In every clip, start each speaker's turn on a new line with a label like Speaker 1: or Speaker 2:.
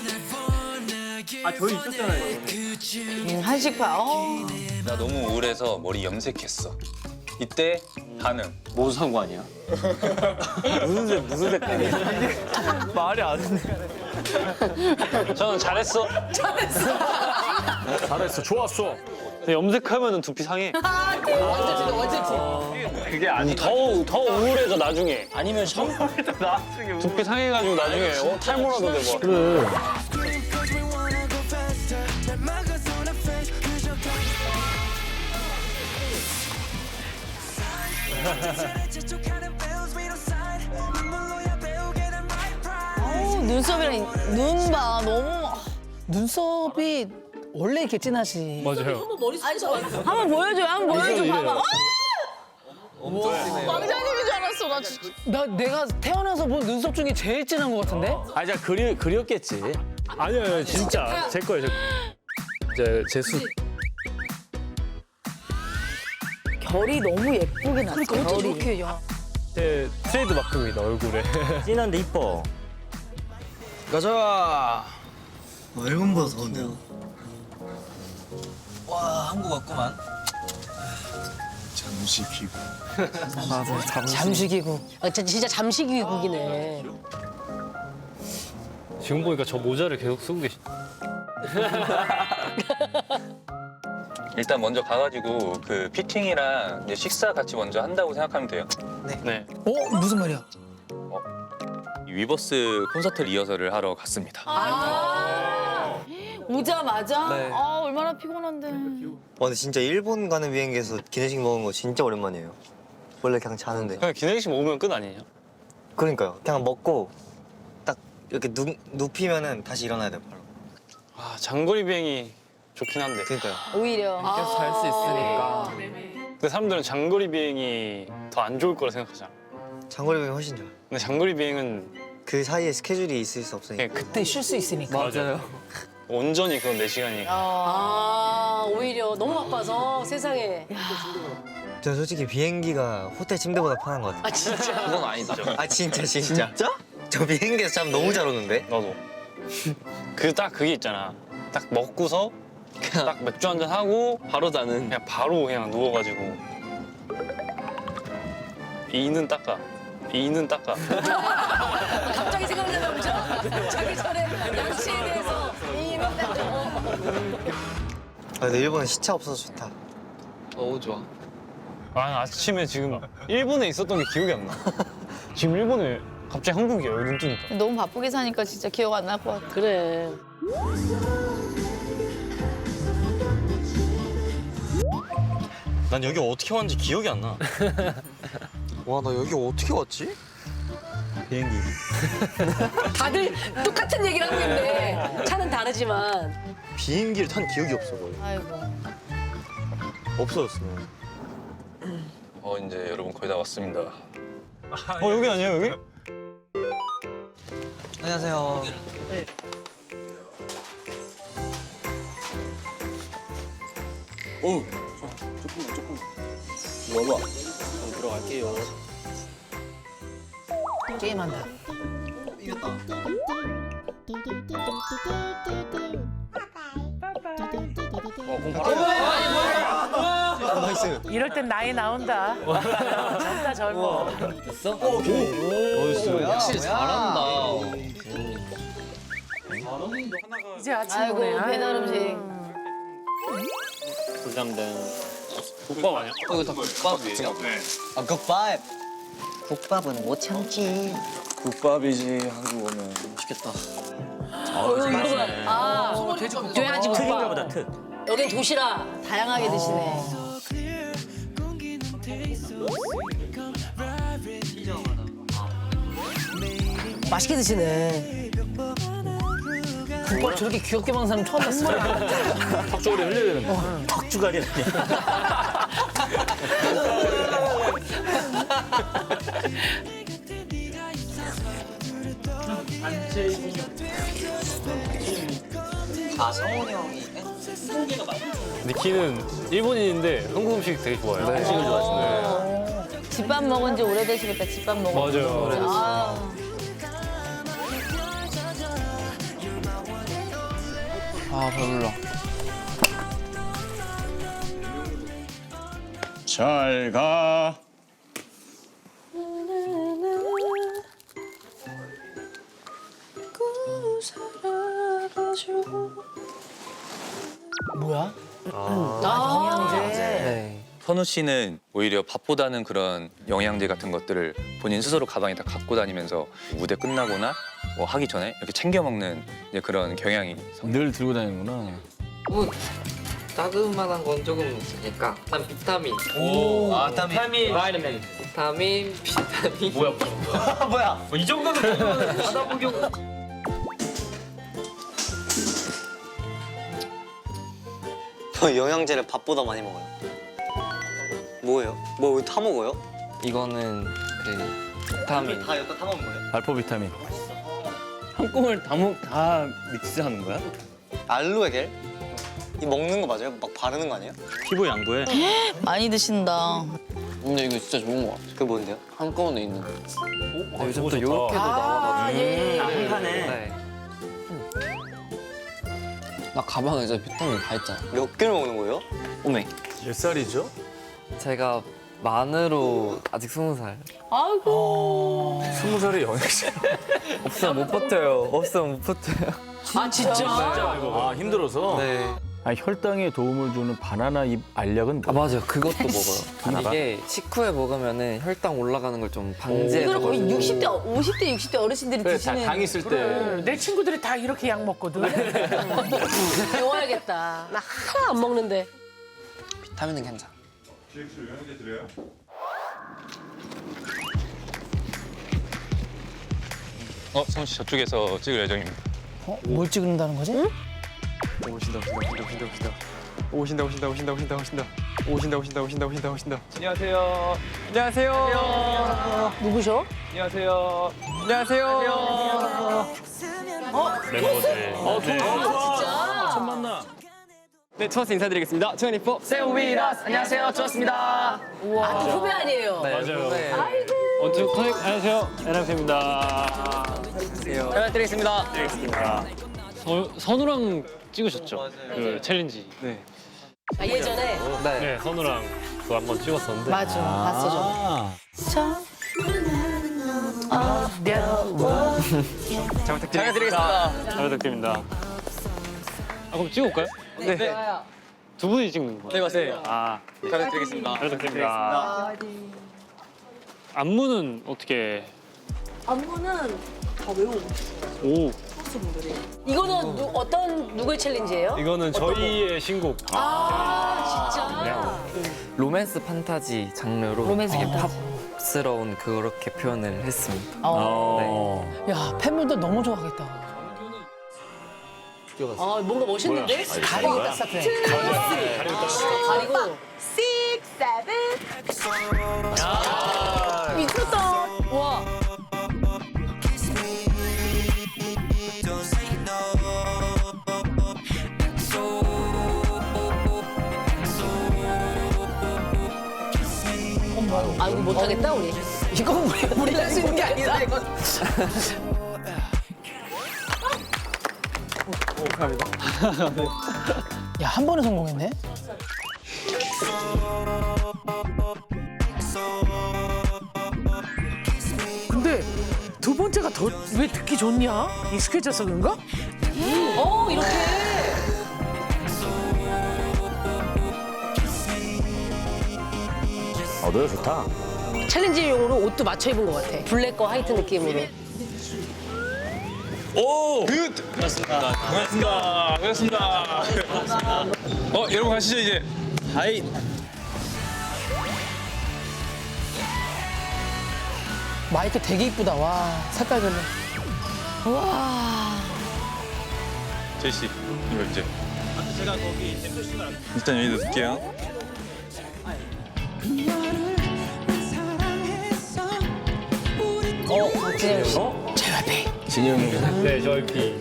Speaker 1: 아 저희 있었잖아요.
Speaker 2: 한식파.
Speaker 3: 나 너무 우울해서 머리 염색했어. 이때 반응.
Speaker 1: 뭔 상관이야? 무슨 색깔이야? 말이 안 돼.
Speaker 4: 저는 잘했어.
Speaker 1: 잘했어, 좋았어. 염색하면은 두피 상해.
Speaker 4: 그게 아니 더 우울해져 나중에.
Speaker 1: 아니면 샴푸.
Speaker 4: 두피 상해가지고 나중에 탈모라도 되고.
Speaker 1: 그래.
Speaker 2: 눈썹이랑 눈 봐. 너무. 눈썹이 원래 이렇게 진하지.
Speaker 1: 맞아요.
Speaker 2: 한번 보여줘요. 한번 보여줘. 봐봐. 왕자님인 줄 알았어. 나 진짜. 내가 태어나서 본 눈썹 중에 제일 진한 것 같은데?
Speaker 1: 아, 진짜 그렸겠지. 아니요, 진짜 제 거예요. 제 수.
Speaker 2: 결이 너무 예쁘게 났어. 그러니까 어떻게 저렇게 야.
Speaker 1: 제 트레이드 마크입니다, 얼굴에.
Speaker 5: 진한데 이뻐.
Speaker 6: 가자. 일본보다 더운데요. 와, 한국 왔구만. 잠시기국.
Speaker 2: 잠식이국. 진짜 잠식이국이네.
Speaker 1: 지금 보니까 저 모자를 계속 쓰고 계시.
Speaker 3: 일단 먼저 가가지고 그 피팅이랑 이제 식사 같이 먼저 한다고 생각하면 돼요.
Speaker 1: 네.
Speaker 2: 무슨 말이야?
Speaker 3: 위버스 콘서트 리허설을 하러 갔습니다.
Speaker 2: 오자마자?
Speaker 6: 네.
Speaker 2: 얼마나 피곤한데.
Speaker 6: 근데 진짜 일본 가는 비행기에서 기내식 먹은 거 진짜 오랜만이에요. 원래 그냥 자는데.
Speaker 4: 그냥 기내식 먹으면 끝 아니에요?
Speaker 6: 그러니까요. 그냥 먹고 딱 이렇게 눕히면은 다시 일어나야 돼요, 바로.
Speaker 4: 아 장거리 비행이 좋긴 한데.
Speaker 6: 그러니까요.
Speaker 2: 오히려.
Speaker 1: 계속 잘 수 있으니까.
Speaker 4: 근데 사람들은 장거리 비행이 더 안 좋을 거라 생각하잖아.
Speaker 6: 장거리 비행이 훨씬 좋아요.
Speaker 4: 근데 장거리 비행은
Speaker 6: 그 사이에 스케줄이 있을 수 없으니까.
Speaker 4: 그냥
Speaker 2: 그때 쉴 수 있으니까.
Speaker 1: 맞아요.
Speaker 4: 온전히 그건 내 시간이니까.
Speaker 2: 오히려 너무 바빠서 세상에.
Speaker 6: 저 솔직히 비행기가 호텔 침대보다 편한 것 같아요.
Speaker 2: 진짜.
Speaker 4: 그건 아니죠.
Speaker 6: 아 진짜? 저 비행기에서 잠 너무 잘 오는데?
Speaker 4: 나도. 그게 있잖아. 딱 먹고서 딱 맥주 한잔 하고 바로 자는. 그냥 바로 그냥 누워가지고 이는 닦아.
Speaker 2: 갑자기 생각나는 거죠? 자기 전에 양치에 대해서
Speaker 6: 근데 일본은 시차 없어서 좋다.
Speaker 4: 너무 좋아. 아침에 지금 일본에 있었던 게 기억이 안 나. 지금 일본에 갑자기 한국이에요. 눈 뜨니까.
Speaker 7: 너무 바쁘게 사니까 진짜 기억 안 날 것 같아.
Speaker 2: 그래.
Speaker 5: 난 여기 어떻게 왔는지 기억이 안 나.
Speaker 6: 와, 나 여기 어떻게 왔지?
Speaker 5: 비행기.
Speaker 2: 다들 똑같은 얘기를 하고 있는데 차는 다르지만.
Speaker 5: 비행기를 탄 기억이 없어 거의.
Speaker 7: 아이고.
Speaker 5: 없어졌어.
Speaker 3: 이제 여러분 거의 다 왔습니다.
Speaker 4: 여기 아니에요 여기?
Speaker 6: 안녕하세요.
Speaker 2: 게임한다.
Speaker 6: 나이스.
Speaker 2: 이럴 땐 나이 나온다. 젊다 젊어.
Speaker 6: 확실히 잘한다.
Speaker 2: 이제 아침
Speaker 7: 아이고
Speaker 2: 오네.
Speaker 7: 배달 음식.
Speaker 4: 불담된 국밥 아니야?
Speaker 6: 이거 다 국밥이에요? 아, 국밥. 국밥은 못 참지.
Speaker 5: 국밥이지 한국 오면.
Speaker 6: 맛있겠다.
Speaker 2: 돼지
Speaker 5: 특인가
Speaker 2: 국밥.
Speaker 5: 보다 특.
Speaker 2: 여긴 도시락.
Speaker 7: 다양하게 드시네.
Speaker 2: 맛있게 드시네. 국밥 저렇게 귀엽게 먹는 사람 처음 봤어.
Speaker 1: 턱쪽으로 흘려야 되는 거.
Speaker 5: 턱주가리라니.
Speaker 6: 아, 성훈이 형이.
Speaker 1: 니키는 일본인인데 한국 음식 되게 좋아해요. 한식을 좋아하시네.
Speaker 7: 집밥 먹은 지 오래되시겠다. 집밥 먹은 지.
Speaker 1: 맞아요.
Speaker 7: 아.
Speaker 2: 아 배불러.
Speaker 5: 잘 가.
Speaker 2: 뭐야?
Speaker 6: 네.
Speaker 3: 선우 씨는 오히려 밥보다는 그런 영양제 같은 것들을 본인 스스로 가방에 다 갖고 다니면서 무대 끝나거나 뭐 하기 전에 이렇게 챙겨 먹는 이제 그런 경향이
Speaker 1: 늘 들고 다니는구나.
Speaker 8: 뭐 따끔한 건 조금 있으니까 일단 비타민
Speaker 6: 아, 땀이.
Speaker 8: 바이타민 비타민
Speaker 6: 뭐야?
Speaker 8: 이 정도는 바다 복용
Speaker 6: 저 영양제를 밥보다 많이 먹어요. 뭐예요? 뭐 다 먹어요?
Speaker 8: 이거는 그 비타민
Speaker 6: 다 여기다 다 먹는 거예요?
Speaker 1: 발포 비타민.
Speaker 5: 한꺼번에 다 믹스하는 거야?
Speaker 6: 알로에겔? 이 먹는 거 맞아요? 막 바르는 거 아니에요?
Speaker 5: 피부 양보해.
Speaker 2: 많이 드신다.
Speaker 8: 근데 이거 진짜 좋은 거 같아
Speaker 6: 그게 뭔데요?
Speaker 8: 한꺼번에 있는 거 요즘 또
Speaker 1: 좋다.
Speaker 8: 요렇게도 나와가지고
Speaker 2: 예.
Speaker 6: 한 칸에
Speaker 8: 네. 나 가방에 진짜 비타민 다 있잖아
Speaker 6: 몇 개를 먹는 거예요?
Speaker 8: 오메
Speaker 1: 몇 살이죠?
Speaker 8: 제가 만으로 아직 20살
Speaker 7: 아이고.
Speaker 1: 20살의 영양제.
Speaker 8: 없으면 못 버텨요 없으면 못 버텨요
Speaker 2: 아 진짜?
Speaker 1: 아 힘들어서.
Speaker 8: 네.
Speaker 1: 아, 혈당에 도움을 주는 바나나 잎 알약은
Speaker 8: 아 맞아요 그것도 먹어요 이게 식후에 먹으면은 혈당 올라가는 걸 좀
Speaker 7: 이걸 거의
Speaker 8: 방지해줘가지고
Speaker 7: 60대, 50대, 60대 어르신들이
Speaker 1: 그래,
Speaker 7: 드시는.
Speaker 1: 당 있을 때.
Speaker 9: 내 친구들이 다 이렇게 약 먹거든.
Speaker 7: 배워야겠다.
Speaker 9: 나 하나 안 먹는데.
Speaker 8: 비타민은 괜찮아
Speaker 3: 선우 씨 저쪽에서 찍을 예정입니다.
Speaker 2: 어? 뭘 찍는다는 거지?
Speaker 9: 누구셔?
Speaker 1: 멤버들.
Speaker 2: 진짜?
Speaker 8: 네 투어스 인사드리겠습니다 24 세우비라스 안녕하세요 투어스입니다
Speaker 7: 아, 그 후배 아니에요?
Speaker 1: 맞아요.
Speaker 8: 네.
Speaker 4: 원투 클릭 안녕하세요 에나입니다.
Speaker 8: 잘 드리겠습니다
Speaker 4: 선우랑 찍으셨죠? 그 챌린지. 네.
Speaker 7: 아, 예전에?
Speaker 8: 네.
Speaker 4: 네, 선우랑 그거 한번 찍었었는데.
Speaker 7: 맞아, 봤어, 저.
Speaker 1: 아.
Speaker 8: 잘 부탁드리겠습니다
Speaker 4: 잘 부탁드립니다. 아, 그럼 찍어볼까요?
Speaker 8: 네.
Speaker 4: 두 분이 찍는 거예요?
Speaker 8: 네 맞아요
Speaker 4: 아,
Speaker 8: 잘 부탁드리겠습니다
Speaker 4: 잘 부탁드립니다. 안무는 어떻게?
Speaker 9: 안무는 다 외우고
Speaker 4: 오,
Speaker 7: 이거는 누구의 챌린지예요?
Speaker 4: 이거는 저희의 신곡.
Speaker 7: 아, 진짜?
Speaker 8: 로맨스 판타지 장르로
Speaker 7: 로맨스
Speaker 8: 되게
Speaker 7: 판타지.
Speaker 8: 팝스러운 그렇게 표현을 했습니다
Speaker 1: 어.
Speaker 2: 야 팬분들 너무 좋아하겠다.
Speaker 7: 아, 뭔가 멋있는데?
Speaker 2: 가리고 딱 스타트해.
Speaker 7: 가리고. 6, 7. 미쳤다. 와. 아, 이거 못하겠다, 우리.
Speaker 2: 이건 우리가 할 수 있는 게 아니다 이건. 야 한 번에 성공했네.
Speaker 9: 근데 두 번째가 더 왜 듣기 좋냐? 익숙해져서 그런가?
Speaker 7: 이렇게.
Speaker 1: 노래 좋다.
Speaker 9: 챌린지용으로 옷도 맞춰 입은 것 같아.
Speaker 7: 블랙과 화이트 느낌으로.
Speaker 3: 반갑습니다. 여러분 가시죠 이제.
Speaker 5: 하이.
Speaker 2: 마이크 되게 이쁘다. 와 색깔 별로.
Speaker 3: 제이 씨 이거 이제. 제가 거기 일단 여기다 둘게요.
Speaker 7: 진영 씨.
Speaker 1: 진영이.
Speaker 4: 네, JYP.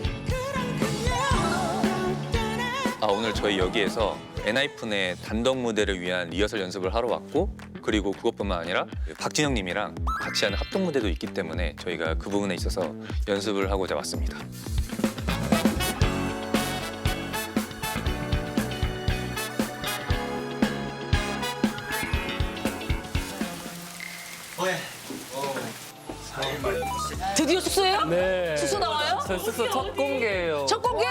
Speaker 3: 오늘 저희 여기에서 엔하이픈의 단독 무대를 위한 리허설 연습을 하러 왔고 그리고 그것뿐만 아니라 박진영님이랑 같이 하는 합동 무대도 있기 때문에 저희가 그 부분에 있어서 연습을 하고자 왔습니다.
Speaker 7: 드디어 숙소예요?
Speaker 1: 네.
Speaker 7: 숙소 나와요?
Speaker 8: 저 숙소 첫 공개예요.
Speaker 7: 첫 공개?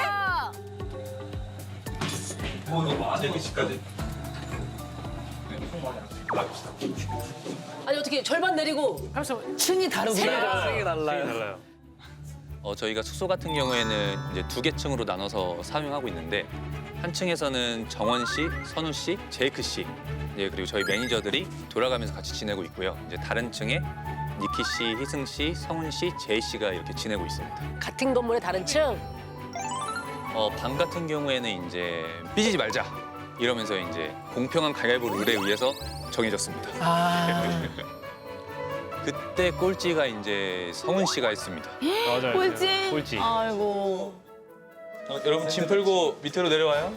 Speaker 7: 아니 어떻게 절반 내리고
Speaker 2: 층이 다르구나.
Speaker 8: 생이 달라요.
Speaker 1: 달라요.
Speaker 3: 저희가 숙소 같은 경우에는 이제 2개 층으로 나눠서 사용하고 있는데 한 층에서는 정원 씨, 선우 씨, 제이크 씨, 그리고 저희 매니저들이 돌아가면서 같이 지내고 있고요. 이제 다른 층에 니키 씨, 희승 씨, 성훈 씨, 제이 씨가 이렇게 지내고 있습니다.
Speaker 7: 같은 건물의 다른 층.
Speaker 3: 방 같은 경우에는 이제 삐지지 말자 이러면서 이제 공평한 가위바위보 룰에 의해서 정해졌습니다.
Speaker 2: 아,
Speaker 3: 그때 꼴찌가 이제 성훈 씨가 했습니다.
Speaker 1: 맞아요.
Speaker 2: 꼴찌?
Speaker 1: 꼴찌.
Speaker 2: 아이고.
Speaker 3: 여러분 짐 풀고 밑으로 내려와요.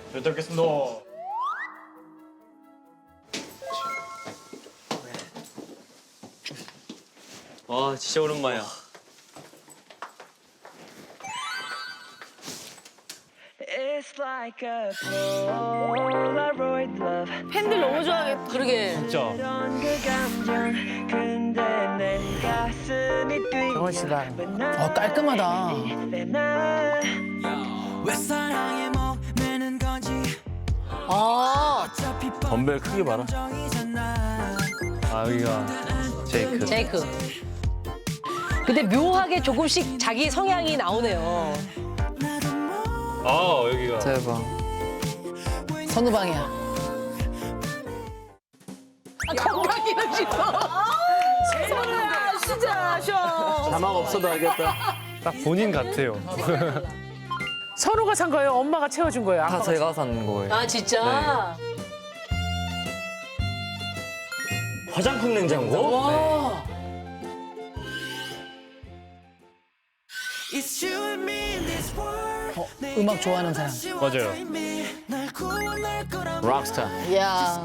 Speaker 5: 와 진짜 오랜만이야.
Speaker 2: 팬들 너무 좋아하겠다.
Speaker 7: 그러게.
Speaker 1: 진짜.
Speaker 2: 정원 씨가. 깔끔하다.
Speaker 7: 아
Speaker 1: 덤벨 크기 봐라. 아 여기가 제이크.
Speaker 7: 제이크. 근데 묘하게 조금씩 자기 성향이 나오네요.
Speaker 1: 아 여기가.
Speaker 8: 대박.
Speaker 2: 선우방이야. 건강이는 싶어. 선우야, 쉬자, 쉬어.
Speaker 1: 자막 없어도 알겠다. 딱 본인 같아요.
Speaker 9: 선우가 산 거예요? 엄마가 채워준 거예요?
Speaker 8: 다
Speaker 9: 아빠가
Speaker 8: 제가 산 거예요.
Speaker 7: 아 진짜?
Speaker 5: 화장품 냉장고?
Speaker 7: 와.
Speaker 2: 음악 좋아하는 사람.
Speaker 1: 맞아요. 락스타.
Speaker 2: 이야.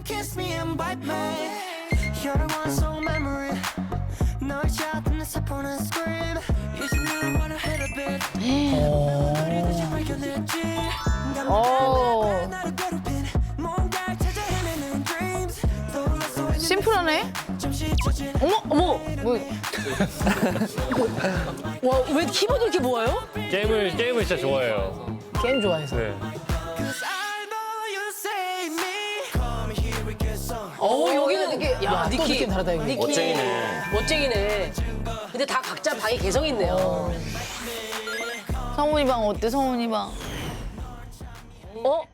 Speaker 2: 심플하네.
Speaker 7: 어머 어머. 뭐. 와 왜 키보드 이렇게 모아요?
Speaker 1: 게임을 진짜 좋아해요.
Speaker 2: 게임 좋아해서.
Speaker 1: 네.
Speaker 7: 여기는 되게 야
Speaker 2: 또
Speaker 7: 니키
Speaker 2: 느낌 다르다, 이거.
Speaker 7: 니키.
Speaker 5: 멋쟁이네.
Speaker 7: 멋쟁이네. 근데 다 각자 방이 개성 있네요.
Speaker 2: 성훈이 방 어때, 성훈이 방?
Speaker 7: 어?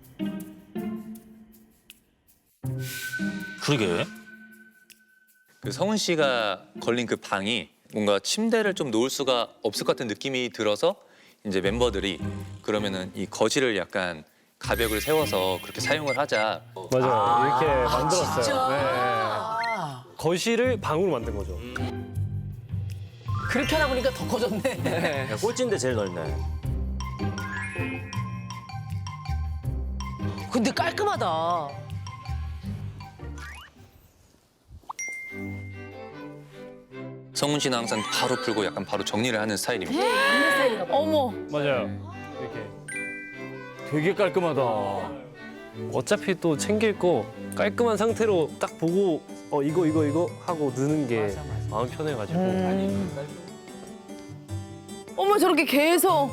Speaker 5: 그러게.
Speaker 3: 그 성훈 씨가 걸린 그 방이 뭔가 침대를 좀 놓을 수가 없을 것 같은 느낌이 들어서 이제 멤버들이 그러면은 이 거실을 약간 가벽을 세워서 그렇게 사용을 하자.
Speaker 1: 맞아요. 이렇게 만들었어요.
Speaker 7: 진짜?
Speaker 1: 네. 거실을 방으로 만든 거죠.
Speaker 7: 그렇게 하다 보니까 더 커졌네.
Speaker 5: 야, 꼴찌인데 제일 넓네.
Speaker 7: 근데 깔끔하다.
Speaker 3: 성훈 씨는 항상 바로 풀고 약간 바로 정리를 하는 스타일입니다.
Speaker 2: 어머.
Speaker 1: 맞아요. 이렇게. 되게 깔끔하다. 어차피 또 챙길 거 깔끔한 상태로 딱 보고 이거 하고 넣는 게 마음 편해가지고.
Speaker 2: 어머, 저렇게 계속.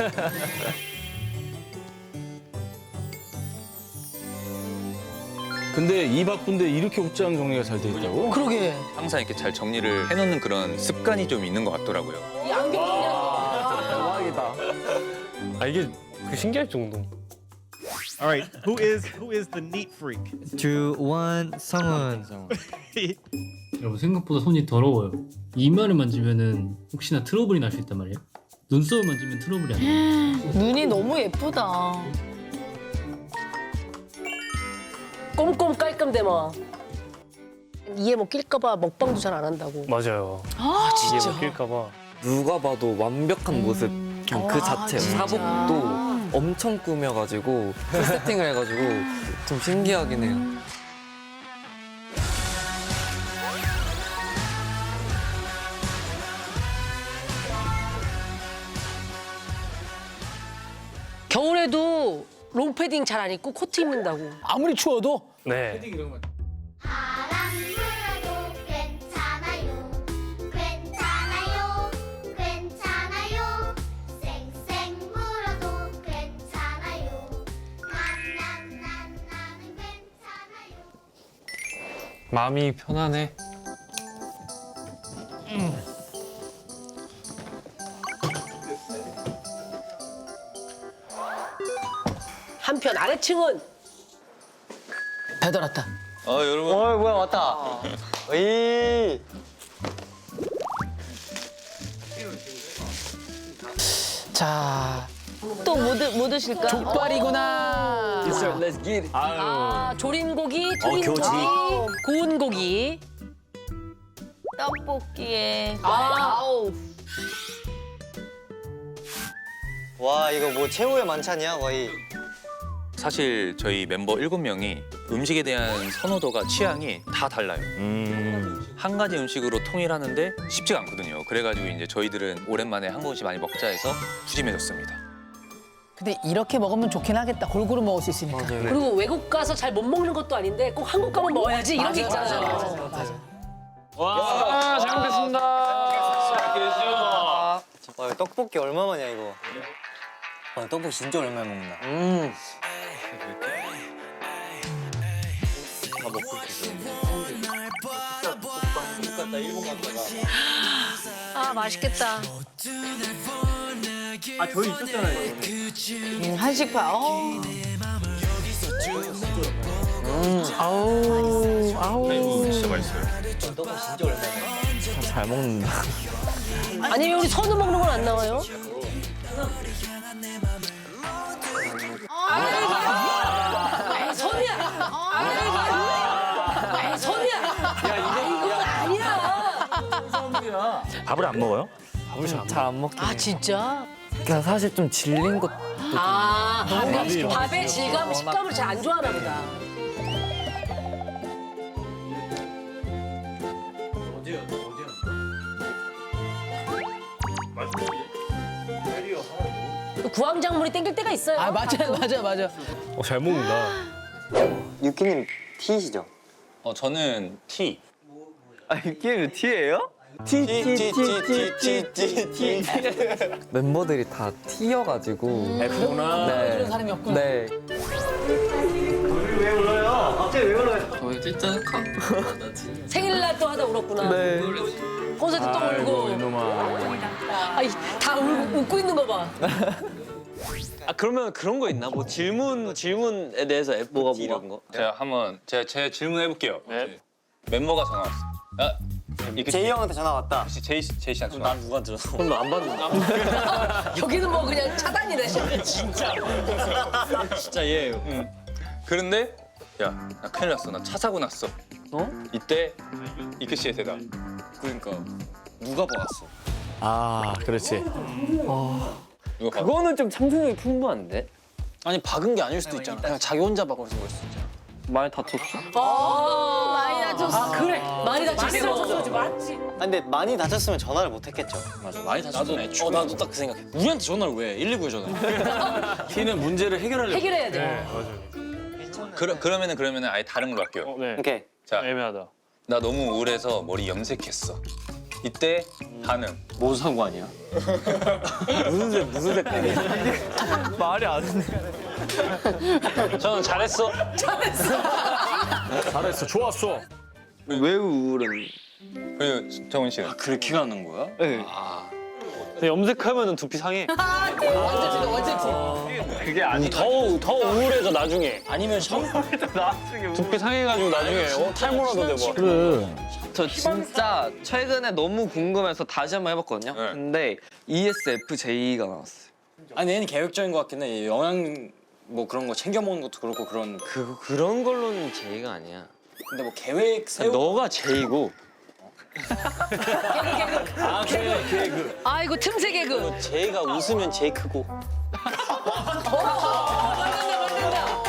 Speaker 10: 근데 이 바쁜데 이렇게 옷장 정리가 잘 돼 있다고?
Speaker 2: 그러게.
Speaker 3: 항상 이렇게 잘 정리를 해놓는 그런 습관이 좀 있는 것 같더라고요.
Speaker 7: 이 안경 정리하는
Speaker 8: 대박이다.
Speaker 1: 아 이게 그 신기할 정도.
Speaker 11: All right, who is the neat freak?
Speaker 6: 2, 1, 성훈.
Speaker 12: 여러분 생각보다 손이 더러워요. 이마를 만지면은 혹시나 트러블이 날 수 있단 말이에요. 눈썹을 만지면 트러블이 안 나요.
Speaker 2: 눈이 너무 예쁘다.
Speaker 7: 꼼꼼 깔끔대마. 이에 뭐 낄까봐 먹방도 잘 안 한다고.
Speaker 1: 맞아요.
Speaker 2: 아,
Speaker 1: 이게
Speaker 2: 진짜.
Speaker 1: 먹힐까봐.
Speaker 8: 누가 봐도 완벽한 모습 그 자체.
Speaker 2: 진짜.
Speaker 8: 사복도 엄청 꾸며가지고 풀 세팅을 해가지고 좀 신기하긴 해요.
Speaker 7: 겨울에도 롱패딩 잘 안 입고 코트 입는다고.
Speaker 2: 아무리 추워도.
Speaker 1: 네.
Speaker 13: 바람 불어도 괜찮아요. 괜찮아요.
Speaker 4: 마음이 편하네.
Speaker 7: 한편 아래층은
Speaker 2: 배달 왔다.
Speaker 3: 여러분.
Speaker 6: 뭐야 왔다. 이.
Speaker 2: 자,
Speaker 7: 또 뭐 드실까?
Speaker 2: 족발이구나.
Speaker 7: 아, 조린 고기, 튀긴 고기, 구운 고기.
Speaker 2: 떡볶이에.
Speaker 7: 아우.
Speaker 6: 와 이거 뭐 최후의 만찬이야 거의.
Speaker 3: 사실 저희 멤버 7명이 음식에 대한 선호도가 취향이 다 달라요. 한 가지 음식으로 통일하는데 쉽지가 않거든요. 그래가지고 이제 저희들은 오랜만에 한국음식 많이 먹자 해서 푸짐해졌습니다.
Speaker 2: 근데 이렇게 먹으면 좋긴 하겠다. 골고루 먹을 수 있으니까.
Speaker 7: 그리고 외국 가서 잘 못 먹는 것도 아닌데 꼭 한국 가면 먹어야지 이런 게 있잖아요.
Speaker 2: 맞아.
Speaker 4: 와, 잘 먹겠습니다.
Speaker 6: 와 이거 떡볶이 얼마만이야 이거. 와 떡볶이 진짜 오랜만에 먹는다. 다 먹고 있어.
Speaker 7: 아, 맛있겠다.
Speaker 11: 아 저희 있었잖아요.
Speaker 2: 한식파. 아우.
Speaker 3: 진짜 맛있어요.
Speaker 6: 떡볶이 진짜 오랜만에.
Speaker 8: 잘 먹는다.
Speaker 7: 아니 왜 우리 선우 먹는 건 안 나와요? 아이 선우야. 아이 선우야. 이건 아니야.
Speaker 10: 밥을 안 먹어요?
Speaker 8: 잘 안 먹긴
Speaker 7: 아
Speaker 8: 해요.
Speaker 7: 진짜?
Speaker 8: 그러니까 사실 좀 질린 것.
Speaker 7: 아 밥의 질감, 식감을 잘 안 좋아하나 보다. 구황작물이 땡길 때가 있어요.
Speaker 2: 아 맞아.
Speaker 1: 잘 먹는다.
Speaker 6: 유키님 T시죠?
Speaker 3: 저는 T.
Speaker 6: 아 유키님 T예요? T.
Speaker 8: 멤버들이 다 T여가지고.
Speaker 10: F구나.
Speaker 8: 네.
Speaker 2: 그런 사람이 없구나.
Speaker 8: 네.
Speaker 6: 왜 울어요? 갑자기 왜 울어요?
Speaker 7: 생일날 또 하다 울었구나.
Speaker 8: 네.
Speaker 7: 콘서트 또 울고.
Speaker 10: 이놈아.
Speaker 7: 아이 다 웃고 있는 거 봐.
Speaker 5: 아 그러면 그런 거 있나? 뭐 질문에 대해서 뭐가 이런 거?
Speaker 3: 제가 한번 제 질문해 볼게요. 멤버가 전화 왔어. 아,
Speaker 6: 제이 형한테 전화 왔다.
Speaker 3: 제이 씨한테 전화.
Speaker 5: 난 누가 들었어? 그럼 안 받는다.
Speaker 7: 여기는 뭐 그냥 차단이네.
Speaker 5: 진짜 얘.
Speaker 3: 그런데 야, 나 큰일 났어. 나 차 사고 났어. 이때 이크 씨의 대답.
Speaker 5: 그러니까 누가 박았어?
Speaker 10: 아, 그렇지.
Speaker 3: 이거 봐.
Speaker 8: 그거는 좀 상상력이 풍부한데?
Speaker 5: 아니 박은 게 아닐 수도 있잖아. 그냥 자기 혼자 박은 걸 수도 있잖아.
Speaker 8: 많이 다쳤어?
Speaker 7: 많이 다쳤어. 아 그래. 많이 다쳤어. 맞지.
Speaker 6: 아, 근데 많이 다쳤으면 전화를 못 했겠죠.
Speaker 5: 맞아 많이 다쳤네. 나도 딱 그 생각해. 우리한테 전화를 왜? 119에 전화해.
Speaker 10: T는 문제를 해결하려고.
Speaker 7: 해결해야 돼.
Speaker 3: 그러면은 아예 다른 걸로 할게요.
Speaker 4: 네.
Speaker 6: 오케이.
Speaker 3: 자,
Speaker 4: 애매하다.
Speaker 3: 나 너무 우울해서 머리 염색했어. 이때 반응.
Speaker 5: 뭔 상관이야?
Speaker 8: 무슨 색깔이야? 말이 안 돼.
Speaker 4: 저는 잘했어.
Speaker 10: 잘했어. 좋았어.
Speaker 8: 왜 우울은?
Speaker 3: 그리고 정훈 씨는
Speaker 5: 그렇게 가는 거야?
Speaker 8: 네.
Speaker 4: 근데 염색하면은 두피 상해.
Speaker 2: 완전
Speaker 4: 그게 아니 더 우울해져 나중에.
Speaker 5: 아니면 샴푸
Speaker 4: 두피 상해가지고 나중에 탈모라도 되고.
Speaker 10: 그래.
Speaker 8: 저 진짜 최근에 너무 궁금해서 다시 한번 해봤거든요.
Speaker 3: 네.
Speaker 8: 근데 ESFJ가 나왔어요.
Speaker 5: 아니 얘는 계획적인 것 같긴 해. 영양 뭐 그런 거 챙겨 먹는 것도 그렇고 그런.
Speaker 8: 그런 걸로는 J가 아니야.
Speaker 5: 근데 뭐 계획 세우.
Speaker 8: 너가 J고.
Speaker 7: 아이고 틈새 개그.
Speaker 5: J가 웃으면 J 크고.
Speaker 7: 맞는다.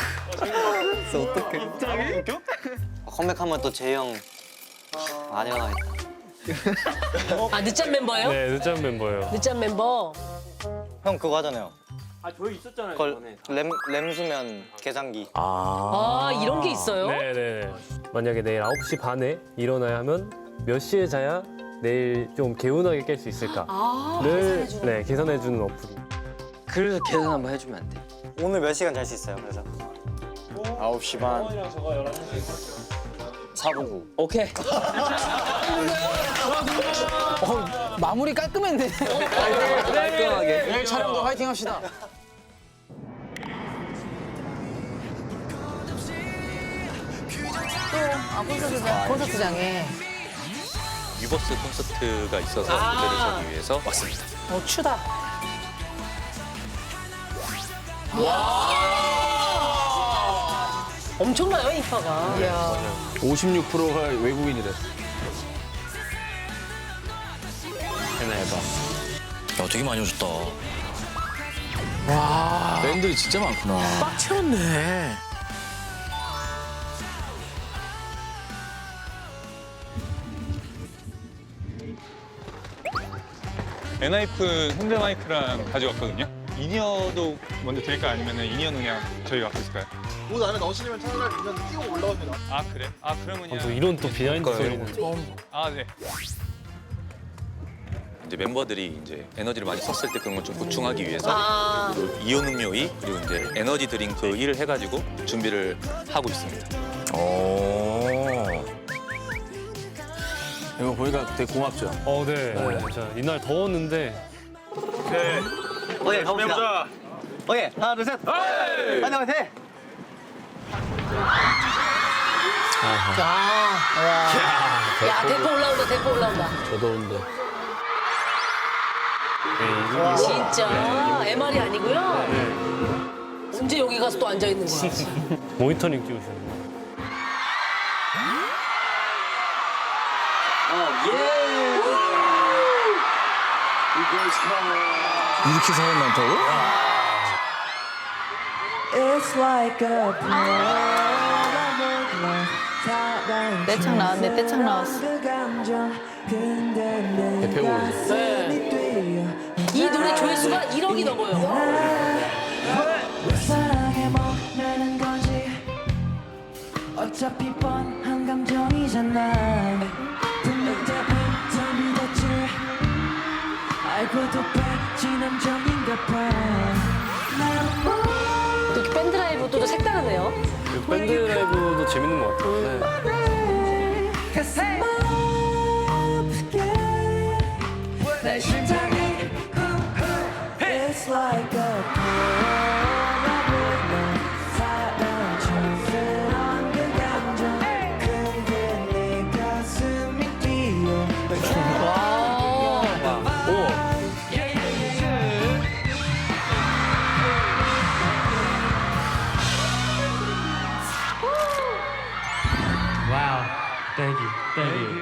Speaker 6: 컴백하면 또 제이 형 많이 와야겠다.
Speaker 7: 아 늦잠 멤버예요?
Speaker 1: 네, 늦잠 멤버예요.
Speaker 7: 늦잠 멤버.
Speaker 6: 형 그거 하잖아요.
Speaker 11: 아 저희 있었잖아요.
Speaker 6: 그걸 램수면 계산기.
Speaker 7: 아 이런 게 있어요?
Speaker 1: 네네. 만약에 내일 9시 반에 일어나야 하면 몇 시에 자야 내일 좀 개운하게 깰 수 있을까를 네, 계산해주는 어플이.
Speaker 8: 그래서 계산 한번 해주면 안 돼?
Speaker 6: 오늘 몇 시간 잘 수 있어요? 그래서
Speaker 5: 9시 반. 499. 오케이.
Speaker 2: 마무리 깔끔했네.
Speaker 5: 깔끔하게.
Speaker 4: 내일 촬영도 화이팅 합시다.
Speaker 2: 콘서트장에.
Speaker 3: 유버스 콘서트가 있어서 무대를 서기 위해서 왔습니다.
Speaker 2: 추다.
Speaker 7: 엄청나요 인파가.
Speaker 2: 이야.
Speaker 10: 56%가 외국인이래.
Speaker 1: 해봐.
Speaker 10: 야, 되게 많이 오셨다. 와. 팬들이 진짜 많구나.
Speaker 9: 꽉 채웠네.
Speaker 13: 엔하이픈 핸드 마이크랑 가져왔거든요. 이니어도 먼저 드릴까요? 아니면 이니어는 그냥 저희가 갖고 있을까요?
Speaker 11: 옷 안에 넣으시면 차라리 그냥 끼고 올라옵니다.
Speaker 13: 아 그래? 아 그러면요.
Speaker 1: 또 이런 또 비하인드 스토리가.
Speaker 13: 아 네.
Speaker 3: 이제 멤버들이 이제 에너지를 많이 썼을 때 그런 걸 좀 보충하기 위해서 그 이온 음료이 그리고 이제 에너지 드링크 1을 해가지고 준비를 하고 있습니다.
Speaker 10: 이거 보니까 되게 고맙죠?
Speaker 1: 네. 진짜 이날 더웠는데
Speaker 6: 오케이, 가봅시다. 오케이, 하나, 둘, 셋. 화이팅, 화이팅!
Speaker 7: 야 대포 올라온다 대포 올라온다.
Speaker 1: 저 더운데.
Speaker 7: 진짜 MR이 아니고요. 언제 여기 가서 또 앉아 있는 거야?
Speaker 1: 모니터링 끼우시는 거.
Speaker 10: 이렇게 사람 많다고?
Speaker 2: 떼창 나왔네. 떼창 나왔어.
Speaker 10: 대표곡이죠.
Speaker 7: 이 노래 조회수가 1억이 넘어요.
Speaker 14: 어차피 뻔한 감정이잖아. 분명 더 믿었지. 알고도 빠진 함정인가 봐.
Speaker 7: 또 이렇게 밴드 라이브도 좀 색다르네요.
Speaker 1: 밴드 라이브도 재밌는 것 같아요.
Speaker 14: 가슴 아프게 내 심장이 It's like a polaroid 사랑 촌스러운 그 감정 근데 내 가슴이 뛰어
Speaker 12: 와우. Thank you. Thank you.